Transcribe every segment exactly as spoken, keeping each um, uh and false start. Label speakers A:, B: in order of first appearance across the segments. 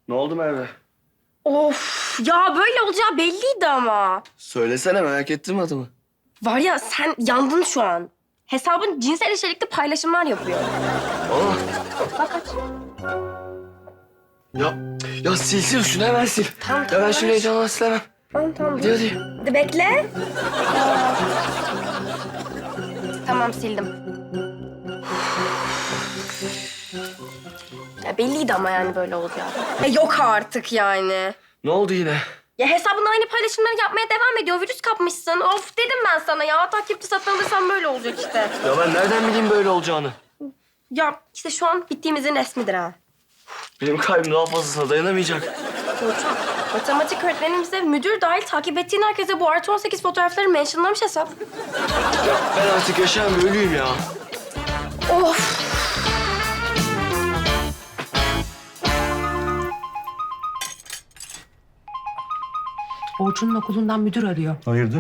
A: Ne oldu Merve?
B: Of ya böyle olacağı belliydi ama.
A: Söylesene, merak ettim adımı.
B: Var ya sen yandın şu an. Hesabın cinsel içerikli paylaşımlar yapıyor.
A: Aa,
B: Bak aç.
A: ya, ya sil sil şunu, hemen sil.
B: Tamam,
A: Ya
B: tamam,
A: ben şimdi
B: ver.
A: heyecanla silemem.
B: Tamam tamam.
A: Hadi hadi.
B: Hadi bekle. Tamam sildim. Ya belliydi ama yani böyle olacağı. Ya yok artık yani.
A: Ne oldu yine?
B: Ya hesabın aynı paylaşımları yapmaya devam ediyor. Virüs kapmışsın. Of dedim ben sana ya. Takipçi satın alırsan böyle olacak işte.
A: Ya ben nereden bileyim böyle olacağını?
B: Ya işte şu an bittiğimizin resmidir ha.
A: Benim kalbim daha fazlasına dayanamayacak.
B: Hocam, matematik öğretmenimize müdür dahil takip ettiğin herkese bu artı on sekiz fotoğrafları mentionlamış hesap.
A: Ya ben artık yaşayan bir ölüyüm ya.
B: Of.
C: Orçun'un okulundan müdür arıyor.
D: Hayırdır?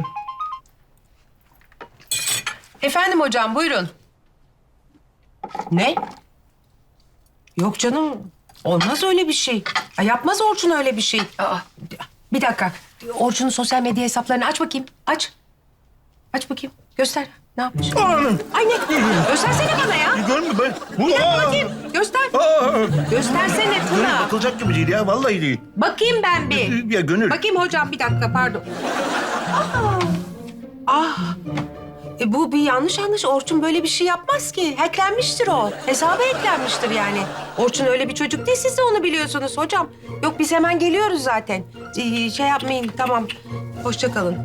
C: Efendim hocam, buyurun. Ne? Yok canım, olmaz öyle bir şey. Ya yapmaz Orçun öyle bir şey. Aa, bir dakika, Orçun'un sosyal medya hesaplarını aç bakayım. Aç. Aç bakayım, göster. Ne yapmış? Ay ne? Göstersene bana ya.
D: Görmüyor ben. Bu
C: Bir dakika
D: aa!
C: bakayım, göster.
D: Aa!
C: Göstersene
D: Gönül
C: Tuna.
D: bakılacak gibi değil ya. Vallahi değil.
C: Bakayım ben bir.
D: Ya Gönül.
C: Bakayım hocam, bir dakika, pardon. Aa, ah. E bu bir yanlış anlaş. Orçun böyle bir şey yapmaz ki. Hacklenmiştir o. Hesaba hacklenmiştir yani. Orçun öyle bir çocuk değil. Siz de onu biliyorsunuz hocam. Yok biz hemen geliyoruz zaten. Ee, şey yapmayın, tamam. Hoşça kalın.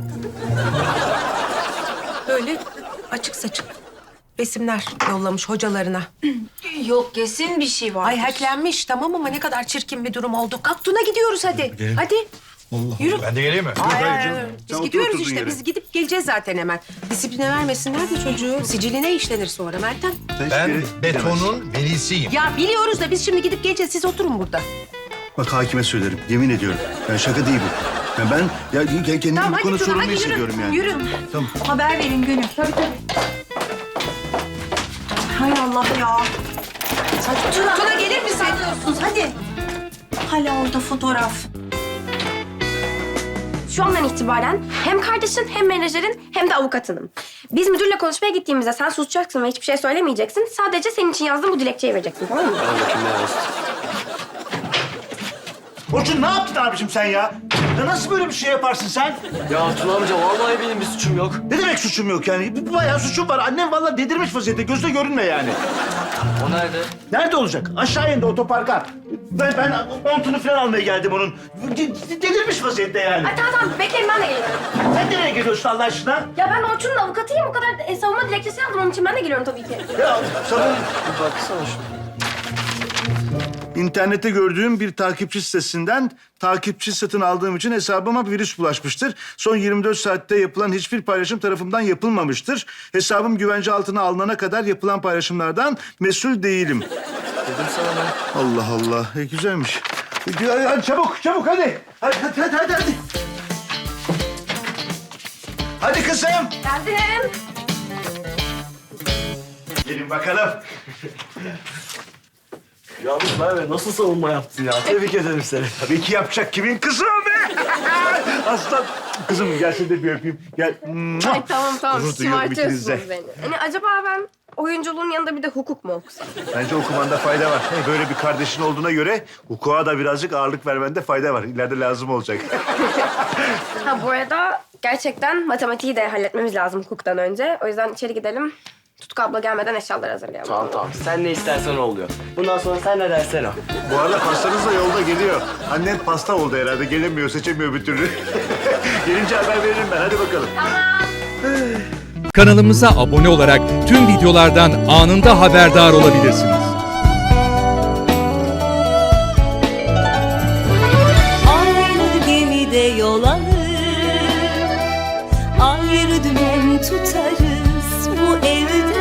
C: Böyle açık saçık resimler yollamış hocalarına.
E: Yok kesin bir şey var.
C: Ay hacklenmiş tamam ama ne kadar çirkin bir durum oldu. Kalk Tuna gidiyoruz hadi.
D: Gidelim.
C: Hadi.
D: Allah
C: Yürü.
D: Ben de geleyim mi?
C: Ay,
D: Hayır
C: ay,
D: canım.
C: ay.
D: Sen
C: Biz
D: otur
C: gidiyoruz
D: oturduğun
C: işte.
D: yere.
C: Biz gidip geleceğiz zaten hemen. Disipline vermesinler de çocuğu. Siciline işlenir sonra Meltem.
D: Sen hiçbir
F: Ben
D: yere
F: betonun velisiyim.
C: Ya biliyoruz da biz şimdi gidip geleceğiz. Siz oturun burada.
D: Bak hakime söylerim. Yemin ediyorum. Yani şaka değil bu. Yani ben ya kendimi
C: Tamam
D: bu
C: hadi
D: konuda
C: Tuna
D: sorumlu
C: hadi yürü.
D: hissediyorum yani.
C: Yürü.
D: Tamam.
E: Haber verin Gönül. Tabii tabii. Hay Allah ya.
C: Tuna, Tuna gelir misin?
E: Hadi. Hala orada fotoğraf.
B: Şu andan itibaren hem kardeşin hem menajerin hem de avukatınım. Biz müdürle konuşmaya gittiğimizde sen susacaksın ve hiçbir şey söylemeyeceksin. Sadece senin için yazdığım bu dilekçeyi vereceksin, tamam mı?
A: Al bakayım ne yazdı.
D: Orçun ne yaptın abicim sen ya? Ya nasıl böyle bir şey yaparsın sen?
A: Ya Tuna amca vallahi benim bir suçum yok.
D: Ne demek suçum yok yani? Bu bayağı suçum var. Annem vallahi dedirmiş vaziyette. Gözde görünme yani.
A: O nerede?
D: Nerede olacak? Aşağı indi otoparka. Ben, ben montunu falan almaya geldim onun. De- Delirmiş vaziyette yani.
B: Ay tamam tamam bekleyin ben de geliyorum.
D: Sen nereye geliyorsun Allah aşkına?
B: Ya ben Orçun'un avukatıyım. O kadar e, savunma dilekçesi yazdım. Onun için ben de geliyorum tabii ki.
D: Ya sana
A: Bir baksana şuna.
D: İnternette gördüğüm bir takipçi sitesinden takipçi satın aldığım için hesabıma bir virüs bulaşmıştır. Son yirmi dört saatte yapılan hiçbir paylaşım tarafımdan yapılmamıştır. Hesabım güvence altına alınana kadar yapılan paylaşımlardan mesul değilim.
A: Dedim sana ben.
D: Allah Allah. E, güzelmiş. E, hadi, hadi çabuk, çabuk hadi. Hadi, hadi, hadi, hadi. Hadi, hadi kızım.
B: Geldim.
D: Gelin bakalım.
A: Yalnız Merve nasıl savunma yaptın ya? Tebrik ederim seni.
D: Tabii ki yapacak kimin kızı o be? Aslan. Kızım gel seni de bir öpeyim. Gel.
B: Ay tamam tamam.
D: Gurur duyuyorum
B: Şımartıyorsunuz
D: ikinize.
B: beni. Hani acaba ben oyunculuğun yanında bir de hukuk mu okusam?
D: Bence okumanda fayda var. Hey, böyle bir kardeşin olduğuna göre hukuka da birazcık ağırlık vermende fayda var. İleride lazım olacak.
B: Ha bu arada gerçekten matematiği de halletmemiz lazım hukuktan önce. O yüzden içeri gidelim. Tutku abla gelmeden eşyaları hazırlayalım.
A: Tamam tamam. Sen ne istersen o oluyor. Bundan sonra sen ne dersen o.
D: Bu arada pastanız da yolda geliyor. Annen pasta oldu herhalde. Gelemiyor, seçemiyor bir türlü. Gelince haber veririm ben. Hadi bakalım.
F: Kanalımıza abone olarak tüm videolardan anında haberdar olabilirsiniz.
G: Aynı gemide yol alır, ayrı dümen tutarız bu evde.